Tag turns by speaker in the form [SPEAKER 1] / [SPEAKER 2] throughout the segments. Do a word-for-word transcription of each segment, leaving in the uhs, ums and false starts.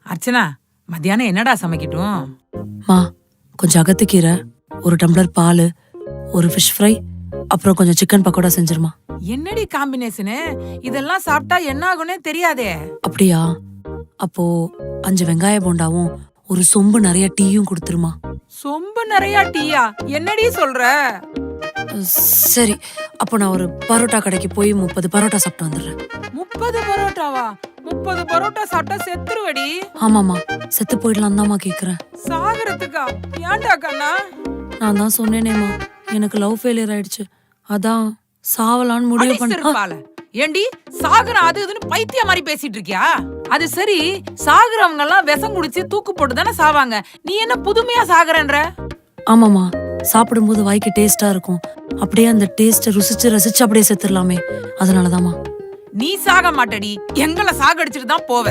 [SPEAKER 1] அர்ச்சனா, மத்தியானம் என்னடா சமைக்கட்டும்?
[SPEAKER 2] மா, கொஞ்சம் அகத்துக்கீரை, ஒரு டம்ளர் பால், ஒரு ஃபிஷ் ஃப்ரை, அப்புறம் கொஞ்சம் சிக்கன் பக்கோடா செஞ்சிருமா.
[SPEAKER 1] என்னடி காம்பினேஷனு? இதெல்லாம் சாப்பிட்டா என்ன ஆகும்னே தெரியாதே.
[SPEAKER 2] அப்படியா? அப்போ அஞ்சு வெங்காய போண்டாவும் ஒரு சொம்பு நிறைய டீயும் கொடுத்துருமா.
[SPEAKER 1] சொம்பு நிறைய டீயா? என்னடி சொல்ற?
[SPEAKER 2] சரி, அப்போ நான் ஒரு பரோட்டா கடைக்கு போய் முப்பது பரோட்டா சாப்பிட்டு வந்துடுறேன்.
[SPEAKER 1] முப்பது பரோட்டாவா? முப்பது பரோட்டா சாப்பிட்டா செத்துருவடி.
[SPEAKER 2] ஆமாமா, செத்து போயிடலாம் தான்மா கேக்குறேன்.
[SPEAKER 1] சாகரத்துக்கா? ஏன்டா கண்ணா?
[SPEAKER 2] நான் தான் சொன்னேனேமா, எனக்கு லவ் ஃபெயிலியர் ஆயிடுச்சு, அதான் சாவலான்னு முடிவு பண்ண.
[SPEAKER 1] ஏண்டி சாகுற அது இதுன்னு பைத்திய மாதிரி பேசிட்டு இருக்கியா? அது சரி, சாகுறவங்க எல்லாம் விஷம் குடிச்சு தூக்கு போட்டு தானே சாவாங்க. நீ என்ன புதுமையா சாகுறன்ற?
[SPEAKER 2] ஆமாமா, சாப்பிடும்போது வாய்க்கு டேஸ்டா இருக்கும், அப்படியே அந்த டேஸ்ட ருசிச்சு ரசிச்சு அப்படியே செத்துடலாமே, அதனாலதாமா.
[SPEAKER 1] நீ சாக மாட்டடி, எங்களை சாகடிச்சிட்டு தான் போவ.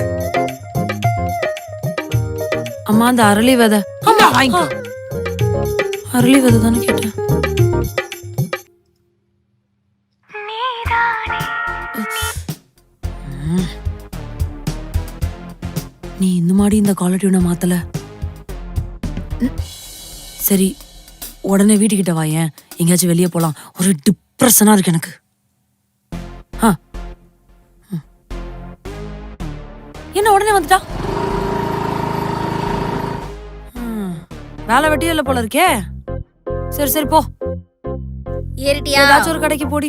[SPEAKER 2] அம்மா, அந்த அரளி விதை.
[SPEAKER 1] ஆமா, வாங்கிக்கோ.
[SPEAKER 2] அரளி விதை தானே கேட்டேன். நீ இந்த மாதிரி இந்த காலர் டியூனை மாத்தல. சரி, உடனே வீட்டுக்கிட்ட வாயேன், எங்கேயாச்சும் வெளியே போலாம். ஒரு டிப்ரெஷனா இருக்கு எனக்கு. என்ன உடனே வந்துட்டா? வேலை வெட்டியே இல்ல போல இருக்கே. சரி சரி போ, ஏதாச்சும் ஒரு கடைக்கு போடி.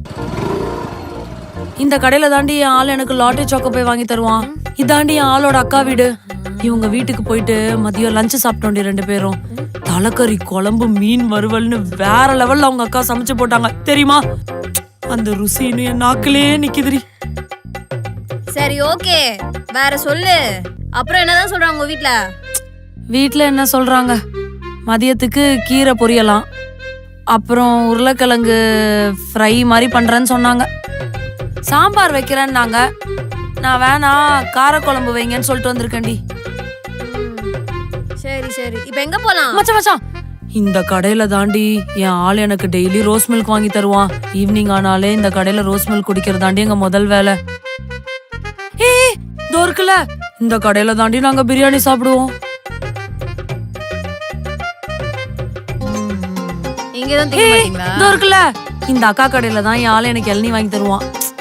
[SPEAKER 2] இந்த கடையில தாண்டி என் ஆள் எனக்கு லாட்டரி சாக்கோ போய் வாங்கி தருவான். இதாண்டி என் ஆளோட அக்கா வீடு. இவங்க வீட்டுக்கு போயிட்டு மதியம் லஞ்சு சாப்பிட்டோண்டி ரெண்டு பேரும். தலைக்கறி குழம்பு மீன் வறுவல்னு வேற லெவல்ல அவங்க அக்கா சமைச்சு போட்டாங்க தெரியுமா. அந்த ருசின்னு என் நாக்கிலே நிக்குதுரி.
[SPEAKER 3] சரி ஓகே, வேற சொல்லு. அப்புறம் என்னதான் சொல்றாங்க உங்க வீட்ல?
[SPEAKER 2] வீட்ல என்ன சொல்றாங்க, மதியத்துக்கு கீரை பொரியலாம், அப்புறம் உருளைக்கிழங்கு ஃப்ரை மாதிரி பண்றேன்னு சொன்னாங்க. சாம்பார் வைக்கிறேன்னாங்க. நான் வேணா காரக்குழம்பு வைங்கன்னு சொல்லிட்டு வந்திருக்கேன்டி.
[SPEAKER 3] சரி சரி, இப்போ எங்க போலாம்?
[SPEAKER 2] மச்சான் மச்சான், இந்த கடையில தாண்டி என் ஆள் எனக்கு டெய்லி ரோஸ் மில்க் வாங்கி தருவான். ஈவினிங் ஆனாலே இந்த கடையில ரோஸ் மில்க் குடிக்கிறதாண்டி எங்க முதல் வேலை. ஏய் இதோ இருக்குல்ல, இந்த கடையில தாண்டி நாங்க பிரியாணி சாப்பிடுவோம்.
[SPEAKER 3] இங்கதான் திங்க மாட்டீங்களா?
[SPEAKER 2] இதோ இருக்குல்ல, இந்த அக்கா கடையில தான் என் ஆள் எனக்கு இளநீ வாங்கி தருவான்.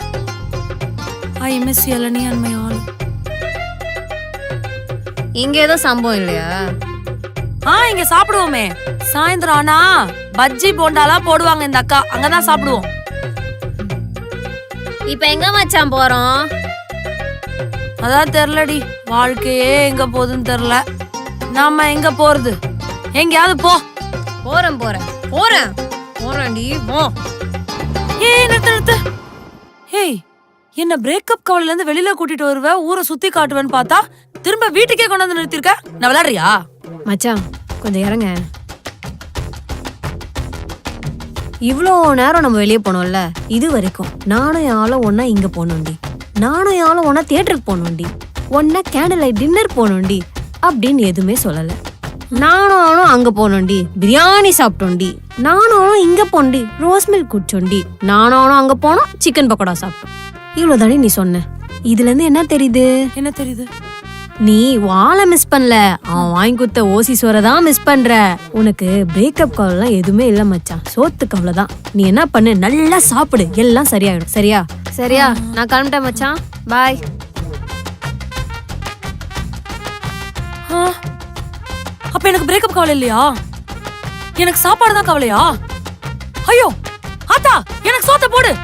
[SPEAKER 2] I miss இளநீ and my all.
[SPEAKER 3] இங்க ஏதோ சம்பவம் இல்லையா?
[SPEAKER 2] ஆ, இங்க சாப்பிடுவோமே. சாயந்தரம் ஆனா பஜ்ஜி போண்டாலாம் போடுவாங்க இந்த அக்கா, அங்கதான் சாப்பிடுவோம்.
[SPEAKER 3] இப்ப எங்க மச்சான் போறோம்?
[SPEAKER 2] அதான் தெரியலடி, வாழ்க்கையே எங்க போகுதுன்னு தெரியல. நாம எங்க போறது? எங்கயாவது போ.
[SPEAKER 3] போறேன் போறேன் போறேன் போறேன்டி போ.
[SPEAKER 2] ஏய் நிறுத்து நிறுத்து. ஏய், என்ன பிரேக்கப் கவலையில இருந்து வெளியில கூட்டிட்டு வருவ, ஊரை சுத்தி காட்டுவேன்னு பார்த்தா திரும்ப வீட்டுக்கே கொண்டு வந்து நிறுத்திருக்க. நான் விளையாடுறியா?
[SPEAKER 3] மச்சான் கொஞ்சம் இறங்க. இவ்வளோ நேரம் நம்ம வெளியே போனோம்ல, இது வரைக்கும் நானும் என் ஆளும் ஒன்னா இங்க போனோண்டி, நானும் என் ஆளும் ஒன்னா தியேட்டருக்கு போனோண்டி, ஒன்னா கேண்டில் லைட் டின்னர் போனோண்டி அப்படின்னு எதுவுமே சொல்லல. நானும் ஆளும் அங்க போனோண்டி, பிரியாணி சாப்பிட்டோண்டி, நானும் ஆளும் இங்க போனோண்டி, ரோஸ் மில்க் குடிச்சோண்டி, நானும் ஆளும் அங்க போனோம், சிக்கன் பக்கோடா சாப்பிட்டோம். இவ்வளவுதானே நீ சொன்ன. இதுல இருந்து என்ன தெரியுது?
[SPEAKER 2] என்ன தெரியுது?
[SPEAKER 3] நீ வாழை மிஸ் பண்ணல, அவன் வாங்கி கொடுத்த ஓசி சோரை தான் மிஸ் பண்ற. உனக்கு பிரேக்கப் கவலைலாம் எதுவுமே இல்ல மச்சான், சோத்து கவலை தான். நீ என்ன பண்ணு, நல்லா சாப்பிடு, எல்லாம் சரியாயிடும். சரியா? சரியா, நான் கிளம்பிட்டேன் மச்சான், பாய்.
[SPEAKER 2] அப்ப எனக்கு பிரேக்கப் கவலை இல்லையா? எனக்கு சாப்பாடு தான் கவலையா? ஐயோ ஆத்தா, எனக்கு சோத்த போடு.